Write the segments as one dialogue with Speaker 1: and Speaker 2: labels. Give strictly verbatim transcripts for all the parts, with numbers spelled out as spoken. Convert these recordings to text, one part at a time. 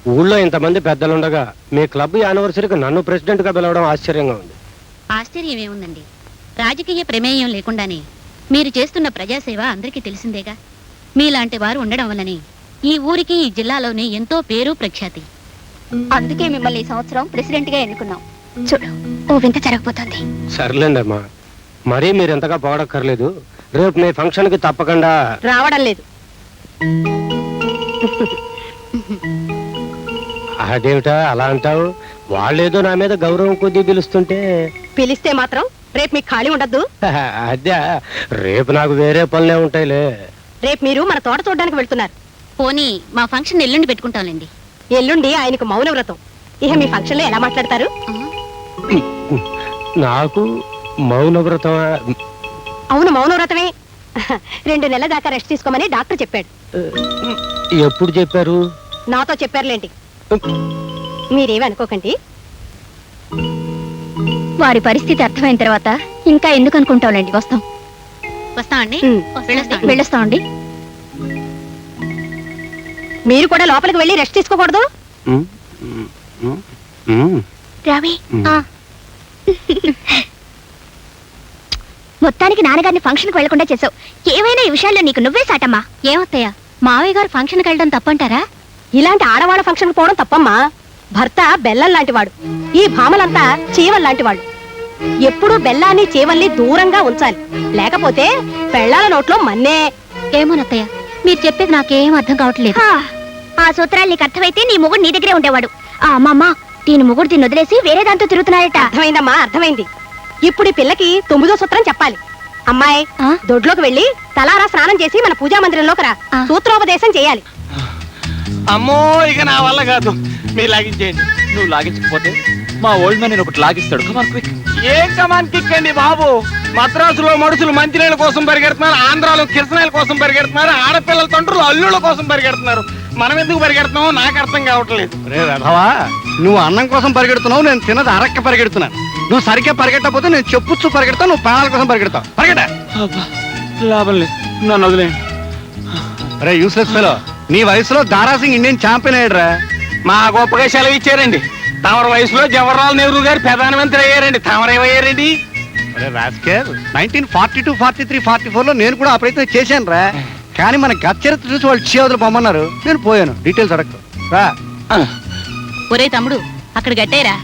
Speaker 1: ఊళ్ళో ఇంతమంది పెద్దలుండగా మీ క్లబ్ యానివర్సరీకి నన్ను ప్రెసిడెంట్ గా పిలవడం ఆశ్చర్యంగా ఉంది.
Speaker 2: ఆశ్చర్యం ఏముందండి, రాజకీయ ప్రమేయం లేకుండానే మీరు చేస్తున్న ప్రజాసేవ అందరికీ తెలిసిందేగా. మీలాంటి వారు ఉండడం వల్లనే ఈ ఊరికి ఈ జిల్లాలోనే ఎంతో పేరు ప్రఖ్యాతి.
Speaker 3: అందుకే మిమ్మల్ని ఈ సంవత్సరం ప్రెసిడెంట్ గా ఎన్నుకున్నాం. చూడు, ఓ వింత జరగబోతోంది.
Speaker 1: సర్లేండి అమ్మా, మరీ మీరు ఎంతగా పోవడక్కర్లేదు. రేపు మీ ఫంక్షన్ కి తప్పకుండా
Speaker 3: రావడం లేదు.
Speaker 1: అదేమిటా అలా అంటావు? వాళ్ళేదో నా మీద గౌరవం కొద్దీ పిలుస్తుంటే.
Speaker 3: పిలిస్తే మాత్రం రేపు మీకు ఖాళీ ఉండద్దు.
Speaker 1: అదే, రేపు నాకు వేరే పనులే ఉంటాయిలే.
Speaker 3: రేపు మీరు మన తోట చూడడానికి వెళ్తున్నారు.
Speaker 2: పోనీ మా ఫంక్షన్ ఎల్లుండి పెట్టుకుంటాంలేండి.
Speaker 3: ఎల్లుండి ఆయనకు మౌన వ్రతం. ఇక మీ ఫంక్షన్ లో ఎలా మాట్లాడతారు?
Speaker 1: నాకు మౌన వ్రతం?
Speaker 3: అవును, మౌన వ్రతమే. రెండు నెలల దాకా రెస్ట్ తీసుకోమని డాక్టర్ చెప్పాడు.
Speaker 1: ఎప్పుడు చెప్పారు?
Speaker 3: నాతో చెప్పారులేంటి. మీరేమి అనుకోకండి.
Speaker 2: వారి పరిస్థితి అర్థమైన తర్వాత ఇంకా ఎందుకు అనుకుంటాంలేండి. వస్తాం వస్తామండి వెళ్ళొస్తామండి.
Speaker 3: మీరు కూడా లోపలికి వెళ్ళి రెస్ట్ తీసుకోకూడదు.
Speaker 2: రవి, మొత్తానికి నాన్నగారిని ఫంక్షన్ కు వెళ్లకుండా చేసావు. ఏమైనా ఈ విషయాల్లో నీకు నువ్వే సాటమ్మా. ఏమొస్తాయా, మావయ్య గారు ఫంక్షన్ కి వెళ్ళడం తప్పంటారా?
Speaker 3: ఇలాంటి ఆడవాళ్ళ ఫంక్షన్ కు పోవడం తప్పమ్మా. భర్త బెల్లం లాంటి వాడు, ఈ భామలంతా చీవల్ లాంటి వాళ్ళు. ఎప్పుడూ బెల్లాన్ని చీవల్ని దూరంగా ఉంచాలి, లేకపోతే పెళ్ళాల నోట్లో మన్నే.
Speaker 2: ఏమోనత్తయ్య, మీరు చెప్పేది నాకేం అర్థం కావట్లేదు. ఆ సూత్రాలు నీకు అర్థమైతే నీ మొగుడు నీ దగ్గరే ఉండేవాడు. ఆ అమ్మమ్మ, దీని మొగుడు దీన్ని వదిలేసి వేరే దాంతో తిరుగుతున్నాడట.
Speaker 3: అర్థమైందమ్మా, అర్థమైంది. ఇప్పుడు ఈ పిల్లకి తొమ్మిదో సూత్రం చెప్పాలి. అమ్మాయి, దొడ్లోకి వెళ్ళి తలారా స్నానం చేసి మన పూజా మందిరంలోకి రా. సూత్రోపదేశం చేయాలి.
Speaker 4: అమ్మో, ఇక నా వల్ల కాదు. మీరు లాగించేయండి.
Speaker 5: నువ్వు లాగించకపోతే మా ఓల్డ్ మ్యాన్ నేను ఒకటి లాగిస్తాడు. Come on quick.
Speaker 4: ఏం కమాన్ కిక్ అండి బాబు? మద్రాసులో మనుషులు మంత్రిల కోసం పరిగెడుతున్నారు, ఆంధ్రాలో కిరసనాయల కోసం పరిగెడుతున్నారు, ఆడపిల్లల తండ్రులు అల్లుళ్ళ కోసం పరిగెడుతున్నారు. మనం ఎందుకు పరిగెడుతున్నామో నాకు అర్థం కావట్లేదు.
Speaker 6: రే రథవా, నువ్వు అన్నం కోసం పరిగెడుతున్నావు, నేను తిన్నది అరక్క పరిగెడుతున్నాను. నువ్వు సరిగ్గా పరిగెట్టకపోతే నేను చెప్పుచ్చు పరిగెడతావు, నువ్వు ప్రాణాల కోసం పరిగెడతావు. పరిగెట.
Speaker 4: లాభం లేదు, నన్ను వదిలే.
Speaker 6: రే యూస్లెస్ ఫెలో, నీ వయసులో దారాసింగ్ ఇండియన్ ఛాంపియన్ అయ్యాడురా.
Speaker 4: మా గొప్పగా సెలవు ఇచ్చారండి. తమర వయసులో జవహర్లాల్ నెహ్రూ గారు ప్రధానమంత్రి అయ్యారండి. తమరేమయ్యారండి?
Speaker 6: Nineteen forty two forty three forty four లో నేను కూడా ఆ ప్రయత్నం చేశాను రా. కానీ మన గత చరిత్ర చూసి వాళ్ళు చేవదులు పొమ్మన్నారు, నేను పోయాను. డీటెయిల్స్ అడగదు రా.
Speaker 2: ఒరే తమ్ముడు, అక్కడ గట్టేరా.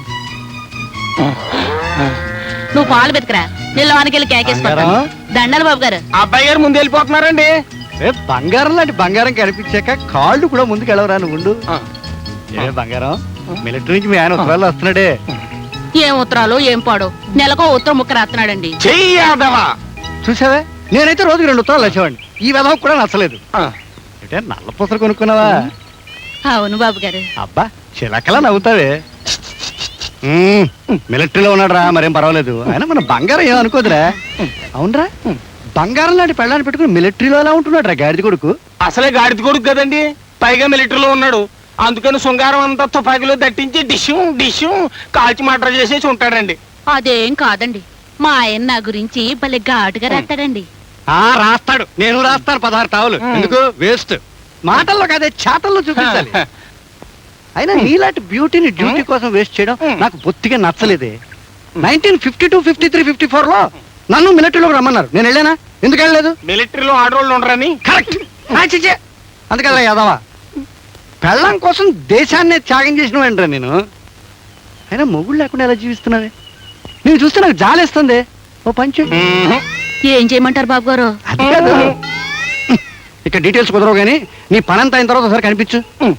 Speaker 2: నువ్వు పాలు బతికరా, నేను వానికెళ్ళి కేకేసుకుంటాను. దండాలి బాబు గారు.
Speaker 4: అబ్బాయి గారు ముందు వెళ్ళిపోతున్నారండి.
Speaker 6: బంగారం లాంటి బంగారం కనిపించాక కాళ్ళు కూడా ముందుకు వెళ్ళవరా నువ్వు ఉండు. ఏ బంగారం, మిలిటరీ నుంచి మీ ఆయన ఉత్తరాలు వస్తున్నాడే.
Speaker 2: ఏం ఉత్తరాలు ఏం పాడు, నెలకో ఉత్తరం ముక్క రాస్తున్నాడండి.
Speaker 6: చూసావే, నేనైతే రోజుకి రెండు ఉత్తరాలు వచ్చేవాడిని. ఈ విధం కూడా నచ్చలేదు. అంటే నల్ల పూసలు కొనుక్కున్నావా?
Speaker 2: అవును బాబు గారు.
Speaker 6: అబ్బా, చిలకలా నవ్వుతావే. మిలిటరీలో ఉన్నాడు రా, మరేం పర్వాలేదు. అయినా మన బంగారం ఏం అనుకోదురా. అవునరా, బంగారం లాంటి పెళ్ళాన్ని పెట్టుకుని మిలిటరీలో ఎలా ఉంటున్నాడు రా గాడిద కొడుకు.
Speaker 4: అసలే గాడిద కొడుకు కదండి, పైగా మిలిటరీలో ఉన్నాడు. అందుకని శృంగారం అంతా తుపాకీలో దట్టించి డిష్యూ డిష్యూ కాల్చి మటర్ చేసేసి ఉంటాడండి.
Speaker 2: అదేం కాదండి, మా ఆయన నా గురించి భలే ఘాటుగా రాస్తాడండి.
Speaker 6: ఆ రాస్తాడు, నేను రాస్తాను పదహారు టావులు. ఎందుకు వేస్ట్? మాటల్లో కాదే, చేతల్లో చూపించాలి. అయినా నీలాంటి బ్యూటీని డ్యూటీ కోసం వేస్ట్ చేయడం నాకు బొత్తిగా నచ్చలేదే. Nineteen fifty two fifty three fifty four లో నన్ను మిలిటరీలోకి రమ్మన్నారు, నేను వెళ్ళానా? ఎందుకు వెళ్ళలేదు?
Speaker 4: మిలిటరీలో ఆడవాళ్ళు ఉండరని.
Speaker 6: కరెక్ట్. అందుకల్లా యాదవా, పెళ్ళం కోసం దేశాన్నే త్యాగం చేసిన వెంటరా నేను. అయినా మొగుడు లేకుండా ఎలా జీవిస్తున్నావే? నేను చూస్తే నాకు జాలేస్తుంది. ఓ పంచు.
Speaker 2: ఏం చేయమంటారు బాబు గారు?
Speaker 6: అది కాదు, ఇక డీటెయిల్స్ కుదరవు కానీ నీ పనంతా అయిన తర్వాత ఒకసారి కనిపించు.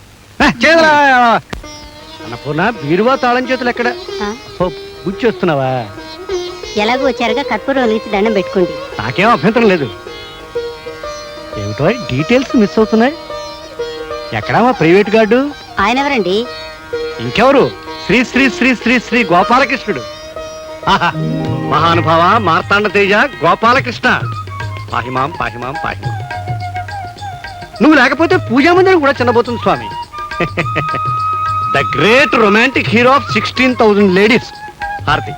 Speaker 6: అన్నపూర్ణ, బీరువా తాళం చేతులు ఎక్కడ? బుచ్చి వస్తున్నావా?
Speaker 3: ఎలాగో వచ్చారుగా కర్పూరం వెలిగించి దండం పెట్టుకోండి.
Speaker 6: నాకేం అభ్యంతరం లేదు. ఏమిటో డీటెయిల్స్ మిస్ అవుతున్నాయి. ఎక్కడా మా ప్రైవేట్ గార్డు?
Speaker 3: ఆయన ఎవరండి?
Speaker 6: ఇంకెవరు? శ్రీ శ్రీ శ్రీ శ్రీ శ్రీ గోపాలకృష్ణుడు. మహానుభావ మార్తాండ తేజ గోపాలకృష్ణ, పాహిమాం పాహిమాం పాహిమాం. నువ్వు లేకపోతే పూజా మందిరం కూడా చిన్నబోతుంది స్వామి. The great romantic hero of sixteen thousand ladies. హారతి.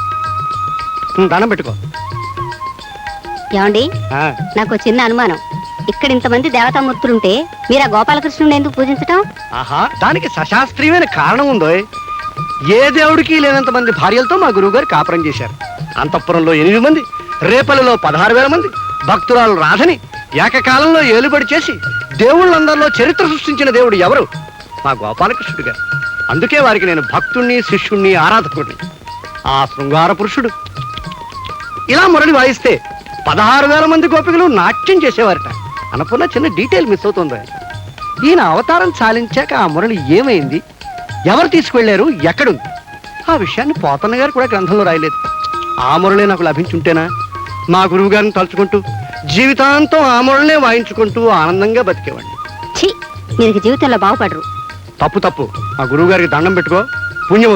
Speaker 3: దండం పెట్టుకో. ఏమండి, నాకు చిన్న అనుమానం. ఇక్కడ ఇంతమంది దేవతామూర్తులుంటే మీరు ఆ గోపాలకృష్ణుని ఎందుకు పూజించటం?
Speaker 6: ఆహా, దానికి సశాస్త్రీయమైన కారణం ఉందో. ఏ దేవుడికి లేనంత మంది భార్యలతో మా గురువు గారు కాపురం చేశారు. అంతఃపురంలో ఎనిమిది మంది, రేపల్లిలో పదహారు వేల మంది, భక్తురాలు రాధని ఏకకాలంలో ఏలుబడి చేసి దేవుళ్ళందరిలో చరిత్ర సృష్టించిన దేవుడు ఎవరు? మా గోపాలకృష్ణుడు గారు. అందుకే వారికి నేను భక్తుణ్ణి, శిష్యుణ్ణి, ఆరాధకుడిని. ఆ శృంగార పురుషుడు ఇలా మురళి వాయిస్తే పదహారు వేల మంది గోపికలు నాట్యం చేసేవారట. అనుకున్న చిన్న డీటెయిల్ మిస్ అవుతుంది. ఈయన అవతారం చాలించాక ఆ మురళి ఏమైంది, ఎవరు తీసుకువెళ్లారు, ఎక్కడుంది, ఆ విషయాన్ని పోతన్న గారు కూడా గ్రంథంలో రాయలేదు. ఆ మురళి నాకు లభించుంటేనా మా గురువు గారిని తలుచుకుంటూ జీవితాంతం ఆ మురళినే వాయించుకుంటూ ఆనందంగా బతికేవాడిని.
Speaker 3: ఛీ, మీరు జీవితంలో బాగుపడరు.
Speaker 6: తప్పు తప్పు. మా గురువు గారికి దండం పెట్టుకో, పుణ్యం